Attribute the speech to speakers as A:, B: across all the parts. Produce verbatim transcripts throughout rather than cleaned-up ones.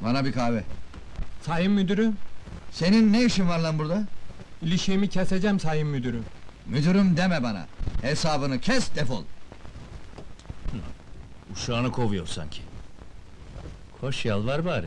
A: Bana bir kahve.
B: Sayın müdürüm,
A: Senin ne işin var lan burada?
B: ilişiğimi keseceğim sayın müdürüm.
A: Müdürüm deme bana. Hesabını kes, defol.
C: Uşağını kovuyor sanki. Koş yalvar bari.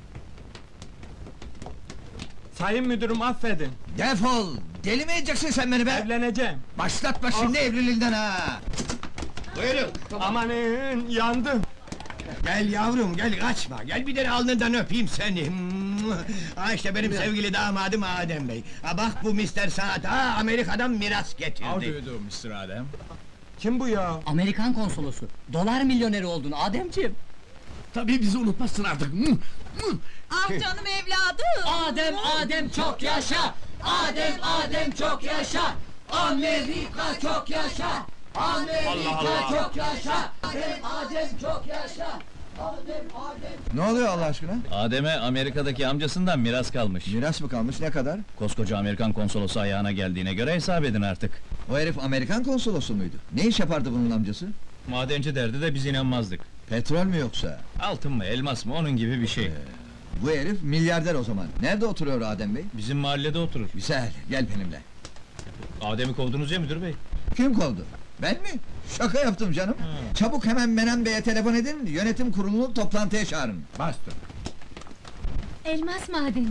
B: Sayın müdürüm affedin,
A: Defol! Deli mi edeceksin sen beni be?
B: evleneceğim.
A: Başlatma şimdi evliliğinden ha!
D: Buyurun.
B: Amanın, yandım.
D: Gel yavrum, gel kaçma. Gel bir de alnından öpeyim seni. Ha işte benim sevgili damadım Adem Bey. Ha bak bu mister Saad, ha Amerika'dan miras getirdi.
C: do, mister Adem?
B: Kim bu ya?
E: Amerikan konsolosu. Dolar milyoneri oldun Ademciğim.
C: Tabii bizi unutmazsın artık.
F: Ah canım evladım!
E: Adem, Adem çok yaşa! Adem, Adem çok yaşa! Amerika çok yaşa! Amerika çok yaşa! Adem, Adem çok yaşa! Adem, Adem...
A: Ne oluyor Allah aşkına?
C: Adem'e Amerika'daki amcasından miras kalmış.
A: Miras mı kalmış, ne kadar?
C: Koskoca Amerikan konsolosu ayağına geldiğine göre hesap edin artık.
A: O herif Amerikan konsolosu muydu? Ne iş yapardı bunun amcası?
C: Madenci derdi de biz inanmazdık.
A: Petrol mü yoksa?
C: Altın mı, elmas mı, onun gibi bir şey.
A: Bu herif milyarder o zaman. Nerede oturuyor Adem Bey?
C: Bizim mahallede oturur.
A: Güzel, gel benimle.
C: Adem'i kovdunuz ya müdür bey.
A: Kim kovdu? Ben mi? Şaka yaptım canım. Çabuk hemen Menem Bey'e telefon edin, yönetim kurulunu toplantıya çağırın.
C: Bastır.
F: Elmas madeni.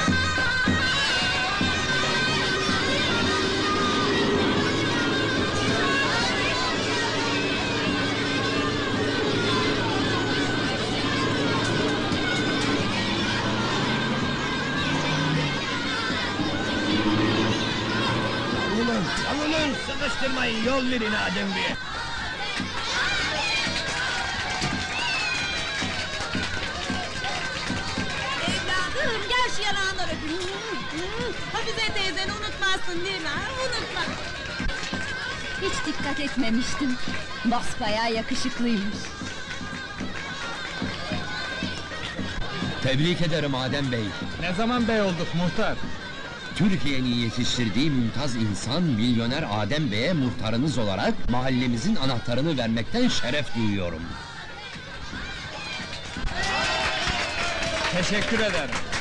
D: Alının, alının, sıkıştırmayın, yol verin Adem Bey'e.
F: Evladım gel şu yanağından öpeyim. Hafize teyzeni unutmazsın değil mi? ha? Unutma.
G: Hiç dikkat etmemiştim. Basbayağı yakışıklıymış.
H: Tebrik ederim Adem Bey.
B: Ne zaman bey olduk muhtar?
H: Türkiye'nin yetiştirdiği mümtaz insan milyoner Adem Bey'e muhtarınız olarak mahallemizin anahtarını vermekten şeref duyuyorum.
B: Teşekkür ederim.